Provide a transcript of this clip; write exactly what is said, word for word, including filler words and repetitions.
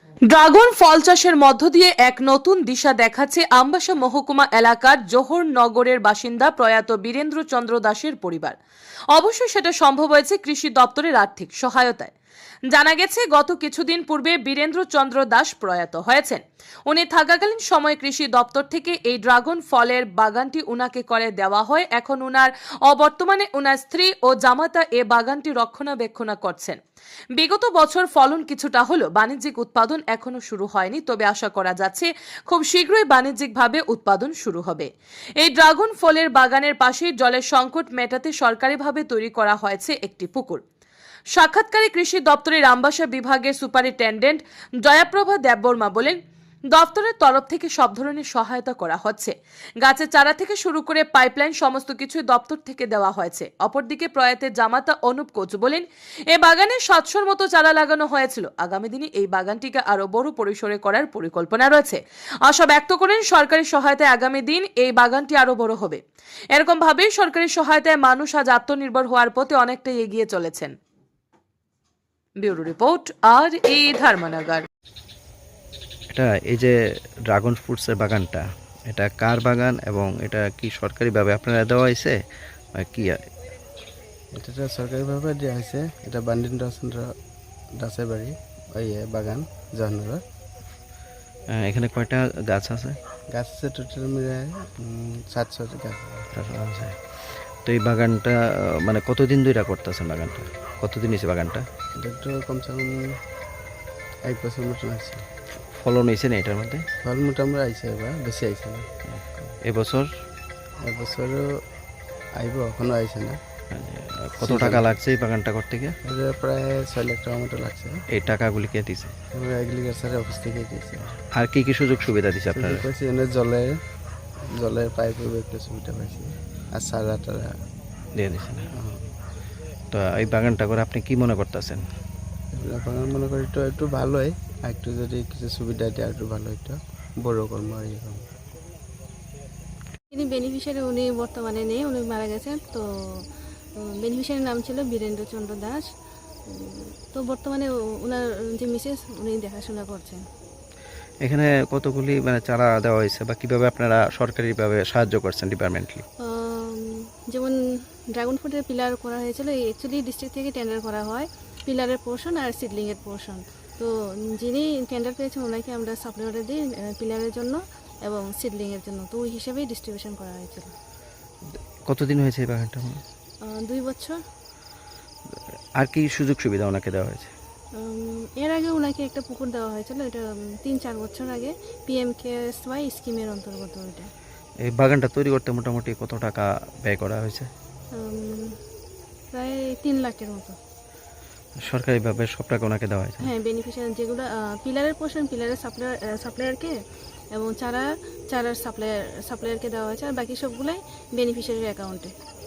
Dragon ফল চাষের মধ্য দিয়ে এক নতুন দিশা দেখাচ্ছে আমবাসা মহকুমা এলাকার জোহর নগরের বাসিন্দা প্রয়াত বীরেন্দ্র চন্দ্র দাসের পরিবার। অবশ্যই সেটা সম্ভব হয়েছে কৃষি দপ্তরের আর্থিক সহায়তায়। জানা গেছে গত কিছুদিন পূর্বে বীরেন্দ্র চন্দ্র দাস প্রয়াত হয়েছেন। উনি থাকাকালীন সময় কৃষি দপ্তর থেকে এই ড্রাগন ফলের বাগানটি উনাকে করে দেওয়া হয়। এখন উনার অবর্তমানে উনার স্ত্রী ও জামাতা এ বাগানটি রক্ষণাবেক্ষণ করছেন। বিগত বছর ফলন কিছুটা হলেও বাণিজ্যিক উৎপাদন এখনো শুরু হয়নি, তবে আশা করা যাচ্ছে খুব শীঘ্রই বাণিজ্যিকভাবে উৎপাদন শুরু হবে। এই ড্রাগন ফলের বাগানের পাশেই জলের সংকট মেটাতে সরকারিভাবে তৈরি করা হয়েছে একটি পুকুর। সাক্ষাৎকারে কৃষি দপ্তরের আমবাসা বিভাগের সুপারিনটেন্ডেন্ট জয়াপ্রভা দেববর্মা বলেন, দপ্তরের তরফ থেকে সব ধরনের সহায়তা করা হচ্ছে। গাছের চারা থেকে শুরু করে পাইপলাইন সমস্ত কিছু দপ্তর থেকে দেওয়া হয়েছে। অপরদিকে প্রয়াতের জামাতা অনুপ কোচ বলেন, এ বাগানে সাতশোর মতো চারা লাগানো হয়েছিল। আগামী দিনে এই বাগানটিকে আরো বড় পরিসরে করার পরিকল্পনা রয়েছে। আশা ব্যক্ত করেন সরকারি সহায়তায় আগামী দিন এই বাগানটি আরো বড় হবে। এরকম ভাবেই সরকারি সহায়তায় মানুষ আজ আত্মনির্ভর হওয়ার পথে অনেকটাই এগিয়ে চলেছেন। ব্যুরো রিপোর্ট আর এই ধর্মনগর। এটা এই যে ড্রাগন ফ্রুটসের বাগানটা, এটা কার বাগান এবং এটা কি সরকারিভাবে আপনারা দেওয়া হয়েছে কি? এটা সরকারিভাবে দেওয়া হয়েছে। এটা বীরেন্দ্র চন্দ্র দাসের বাড়ি, ওই বাগান জাহানগর। এখানে কয়টা গাছ আছে? গাছ আছে টোটাল মিলে সাতশো গাছ আছে। তো এই বাগানটা মানে কতদিন ধরে করতেছেন? বাগানটা কতদিন হয়েছে? বাগানটা এটা একটু কমসে কম এক বছর মতন আছে। ফলন হয়েছে না এটার মধ্যে? ফল মোটামুটি আইসে, এবার বেশি আইসে না। এবছর এবছরও আইব, এখনো আইসে না। কত টাকা লাগছে এই বাগানটা করতে গিয়ে? প্রায় ছয় লাখ টাকা মতো লাগছে। এই টাকাগুলি কে দিছে? এগ্রিকালচার অফিস থেকে দিয়েছে। আর কি কি সুযোগ সুবিধা দিচ্ছে আপনারা? জলের জলের পাইপের একটা সুবিধা পাইছি, আর সারা টারা দিয়ে দিচ্ছে না। তো এই বাগানটা করে আপনি কি মনে করতেছেন? বাগান মনে করি একটু একটু ভালোই, আর একটু যদি কিছু সুবিধা দেয় একটু ভালো, একটু বড় কর্ম আর এরকম। তিনি বেনিফিশিয়ারি, উনি বর্তমানে নেই, উনি মারা গেছেন। তো বেনিফিশিয়ারির নাম ছিল বীরেন্দ্র চন্দ্র দাস। তো বর্তমানে ওনার যে মিসেস, উনি দেখাশোনা করছেন। এখানে কতগুলি মানে চারা দেওয়া হয়েছে বা কিভাবে আপনারা সরকারিভাবে সাহায্য করছেন ডিপার্টমেন্টলি? যেমন ড্রাগন ফ্রুটের পিলার করা হয়েছিল, অ্যাকচুয়ালি ডিস্ট্রিক্ট থেকে টেন্ডার করা হয় পিলারের পোর্শন আর সিডলিংয়ের পোর্শন। তো যিনি টেন্ডার পেয়েছেন ওনাকে আমরা সাপ্লাই অর্ডার দিই পিলারের জন্য এবং সিডলিংয়ের জন্য। তো ওই হিসেবেই ডিস্ট্রিবিউশন করা হয়েছিল। কতদিন হয়েছে এই বাগানটা? দুই বছর। আর কি সুযোগ সুবিধা ওনাকে দেওয়া হয়েছে? এর আগে ওনাকে একটা পুকুর দেওয়া হয়েছিল, এটা তিন চার বছর আগে পিএম কেএসওয়াই স্কিমের অন্তর্গত। এটা এই বাগানটা তৈরি করতে মোটামুটি কত টাকা ব্যয় করা হয়েছে? প্রায় তিন লাখের মতো। সরকারিভাবে সব টাকা ওনাকে দেওয়া হয়েছে? হ্যাঁ, বেনিফিশিয়ারি যেগুলো পিলারের পোর্শন পিলারের সাপ্লাই সাপ্লায়ারকে এবং চারা চারার সাপ্লায়ার সাপ্লায়ারকে দেওয়া হয়েছে, আর বাকি সবগুলাই বেনিফিশিয়ারির অ্যাকাউন্টে।